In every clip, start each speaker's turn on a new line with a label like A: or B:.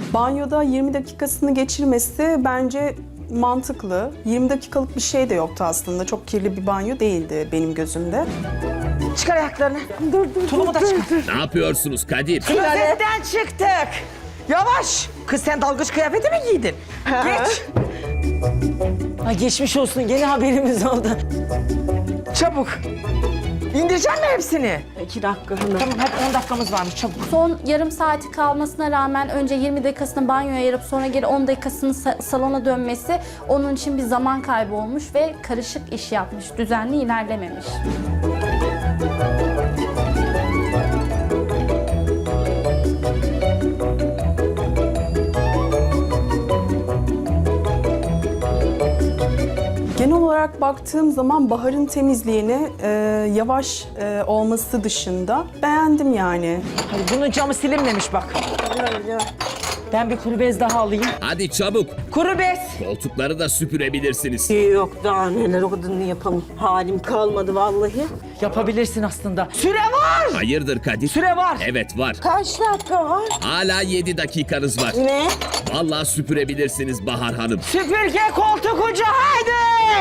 A: Banyoda 20 dakikasını geçirmesi bence mantıklı. 20 dakikalık bir şey de yoktu aslında. Çok kirli bir banyo değildi benim gözümde.
B: Çıkar ayaklarını. Dur. Tulumu da çıkar.
C: Ne yapıyorsunuz Kadir?
B: Klozetten çıktık. Yavaş. Kız sen dalgıç kıyafeti mi giydin? Geç.
D: Ay geçmiş olsun, gene haberimiz oldu.
B: Çabuk. İndirecek mi hepsini?
D: 2 dakika hemen.
B: Tamam hadi 10 dakikamız varmış çabuk.
E: Son yarım saati kalmasına rağmen önce 20 dakikasını banyoya ayırıp sonra geri 10 dakikasını salona dönmesi onun için bir zaman kaybı olmuş ve karışık iş yapmış, düzenli ilerlememiş.
A: Genel olarak baktığım zaman Bahar'ın temizliğini yavaş olması dışında beğendim yani.
B: Hadi bunun camı silinmemiş bak. Ben bir kuru bez daha alayım.
C: Hadi çabuk.
B: Kuru bez.
C: Koltukları da süpürebilirsiniz.
D: Yok daha neler, o kadarını yapamam. Halim kalmadı vallahi.
B: Yapabilirsin aslında. Süre var.
C: Hayırdır Kadir?
B: Süre var.
C: Evet var.
D: Kaç dakika var?
C: Hala 7 dakikanız var.
D: Ne?
C: Vallahi süpürebilirsiniz Bahar Hanım.
B: Süpürge koltuk ucu haydi.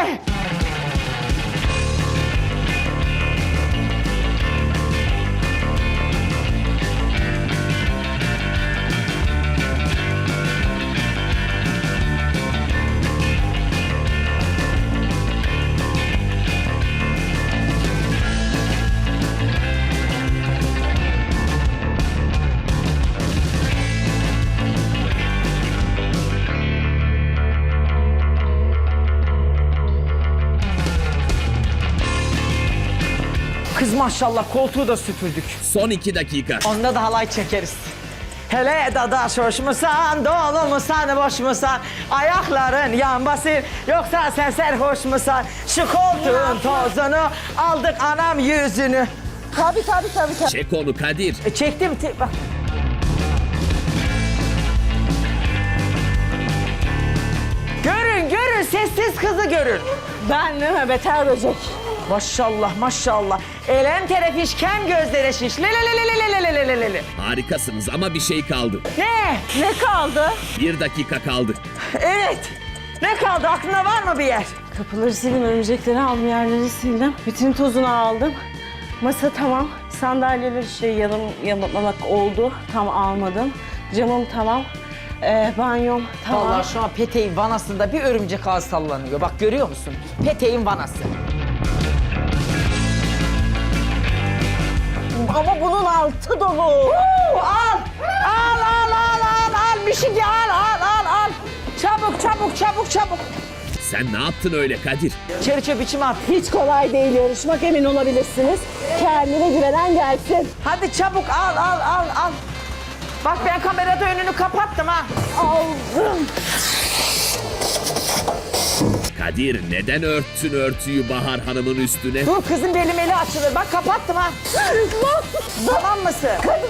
B: Kız maşallah koltuğu da süpürdük.
C: Son 2 dakika.
B: Onda da halay çekeriz. Hele dadaş hoş musan, dolu musan, boş musan? Ayakların yan basır, yoksa sen serhoş musan? Şu koltuğun tozunu aldık anam yüzünü.
D: Tabii.
C: Çek onu Kadir.
B: Çektim, bak. Görün, sessiz kızı görün.
D: Ben değil mi? Beter böcek.
B: Maşallah. Elem terefiş, kem gözlere şiş. Lelelelelelelelelelele.
C: Harikasınız ama bir şey kaldı.
B: Ne?
D: Ne kaldı?
C: 1 dakika kaldı.
B: Evet. Ne kaldı? Aklında var mı bir yer?
D: Kapıları sildim, örümcekleri aldım, yerleri sildim. Bütün tozunu aldım. Masa tamam. Sandalyeler işte yamalamak oldu. Tam almadım. Camım tamam. Banyom tamam.
B: Vallahi şu an peteğin vanasında bir örümcek ağ sallanıyor. Bak görüyor musun? Peteğin vanası.
D: Ama bunun altı dolu.
B: Al! Bir şey al! Çabuk!
C: Sen ne yaptın öyle Kadir?
B: İçeri çöp içime at.
D: Hiç kolay değil yarışmak, emin olabilirsiniz. Kendine güvenen gelsin.
B: Hadi çabuk al. Bak ben kamerada önünü kapattım ha.
D: Aldım.
C: Kadir neden örttün örtüyü Bahar Hanım'ın üstüne?
B: Dur kızın beli açılır. Bak kapattım ha. Tamam mısın?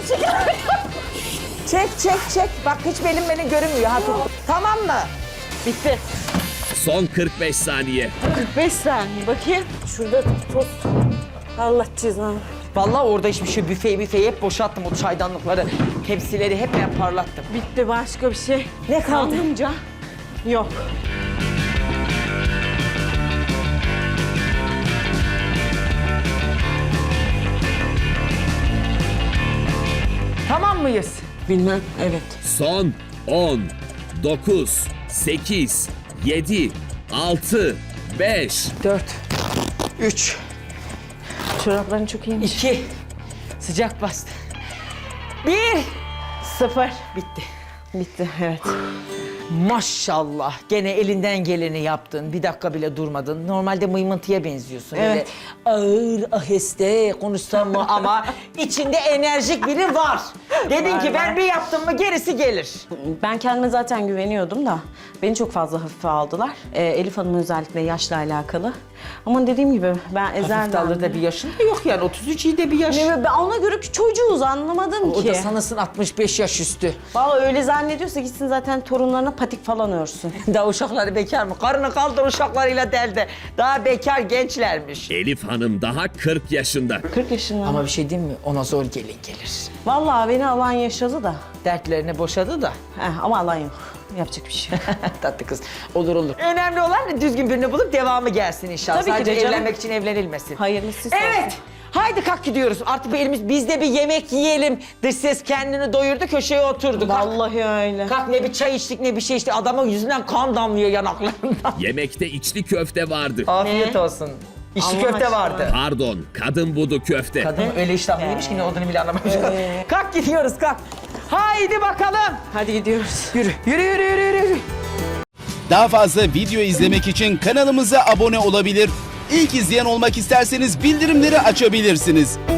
B: Çek. Bak hiç belim görünmüyor. Hadi. Tamam mı? Bitti.
C: Son 45 saniye.
D: 45 saniye bakayım. Şurada toz. Allah cezanı.
B: Vallahi orada hiçbir şey büfeyi hep boşalttım o çaydanlıkları. Tepsileri hep ben parlattım.
D: Bitti, başka bir şey.
B: Ne kaldı?
D: Sanımca yok.
B: Tamam mıyız?
D: Bilmem, evet.
C: Son 10, 9, 8, 7, 6, 5.
B: 4, 3,
D: Çorapların çok iyiymiş.
B: 2, sıcak bastı. 1,
D: 0.
B: bitti.
D: Bitti, evet.
B: Maşallah gene elinden geleni yaptın. Bir dakika bile durmadın. Normalde mıymıntıya benziyorsun.
D: Evet.
B: Öyle ağır, aheste konuşsam mı ama içinde enerjik biri var. Dedin ki ben bir yaptım mı gerisi gelir.
D: Ben kendime zaten güveniyordum da beni çok fazla hafife aldılar. Elif Hanım'ın özellikle yaşla alakalı. Ama dediğim gibi ben
B: Hafif
D: ezelden...
B: de alır da bir yaşın da yok yani 33 iyi de bir yaş.
D: Ben ona göre ki çocuğuz, anlamadım
B: O
D: ki.
B: da sanırsın 65 yaş üstü.
D: Vallahi öyle zannediyorsa gitsin zaten torunlarına patik falan örsün.
B: Daha uşakları bekar mı? Karını kaldır uşaklarıyla derde. Daha bekar gençlermiş.
C: Elif Hanım daha 40 yaşında.
D: 40 yaşında.
B: Ama bir şey diyeyim mi? Ona zor gelin gelir.
D: Vallahi beni alan yaşadı da.
B: Dertlerini boşadı da.
D: Ama alan yok. Yapacak bir şey yok.
B: Tatlı kız. Olur olur. Önemli olan düzgün birini bulup devamı gelsin inşallah.
D: Tabii ki
B: Sadece
D: de canım.
B: evlenmek için evlenilmesin.
D: Hayırlısı
B: Evet.
D: olsun.
B: Haydi kalk gidiyoruz. Artık biz de bir yemek yiyelim. Dış ses kendini doyurdu, köşeye oturdu. Kalk.
D: Vallahi öyle.
B: Kalk, ne bir çay içtik ne bir şey içtik. Adamın yüzünden kan damlıyor yanaklarından.
C: Yemekte içli köfte vardı.
B: Afiyet olsun. İçli
D: Allah
B: köfte
D: aşkına.
B: vardı.
C: Pardon, kadın budu köfte.
B: Kadın öyle iştahlıymış ki ne olduğunu bile anlamamış. Kalk gidiyoruz kalk. Haydi bakalım.
D: Hadi gidiyoruz.
B: Yürü yürü yürü yürü yürü.
F: Daha fazla video izlemek için kanalımıza abone olabilir. İlk izleyen olmak isterseniz bildirimleri açabilirsiniz.